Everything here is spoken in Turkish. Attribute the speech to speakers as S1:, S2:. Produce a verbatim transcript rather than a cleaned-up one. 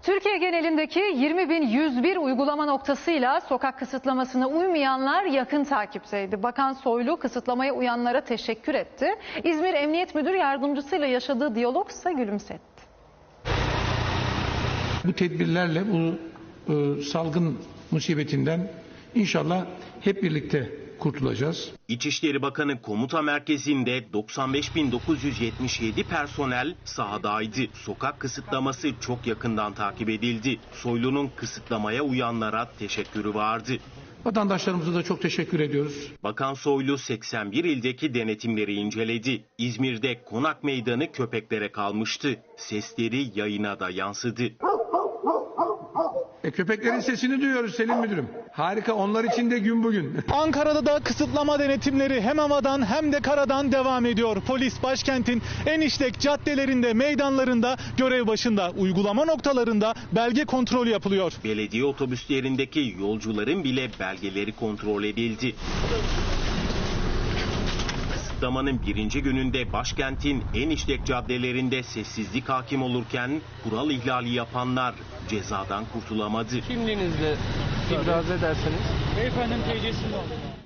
S1: Türkiye genelindeki yirmi bin yüz bir uygulama noktasıyla sokak kısıtlamasına uymayanlar yakın takipteydi. Bakan Soylu kısıtlamaya uyanlara teşekkür etti. İzmir Emniyet Müdür Yardımcısıyla yaşadığı diyalogsa gülümsetti.
S2: Bu tedbirlerle bu e, salgın musibetinden inşallah hep birlikte kurtulacağız.
S3: İçişleri Bakanı komuta merkezinde doksan beş bin dokuz yüz yetmiş yedi personel sahadaydı. Sokak kısıtlaması çok yakından takip edildi. Soylu'nun kısıtlamaya uyanlara teşekkürü vardı.
S2: Vatandaşlarımıza da çok teşekkür ediyoruz.
S3: Bakan Soylu seksen bir ildeki denetimleri inceledi. İzmir'de Konak Meydanı köpeklere kalmıştı. Sesleri yayına da yansıdı.
S2: E, köpeklerin sesini duyuyoruz Selim Müdürüm. Harika, onlar için de gün bugün.
S4: Ankara'da da kısıtlama denetimleri hem havadan hem de karadan devam ediyor. Polis başkentin en işlek caddelerinde, meydanlarında görev başında. Uygulama noktalarında belge kontrolü yapılıyor.
S3: Belediye otobüslerindeki yolcuların bile belgeleri kontrol edildi. Kısıtlamanın birinci gününde başkentin en işlek caddelerinde sessizlik hakim olurken kural ihlali yapanlar cezadan kurtulamadı.
S5: Kimliğinizle ibraz ederseniz.
S6: Beyefendinin T C'sini alın.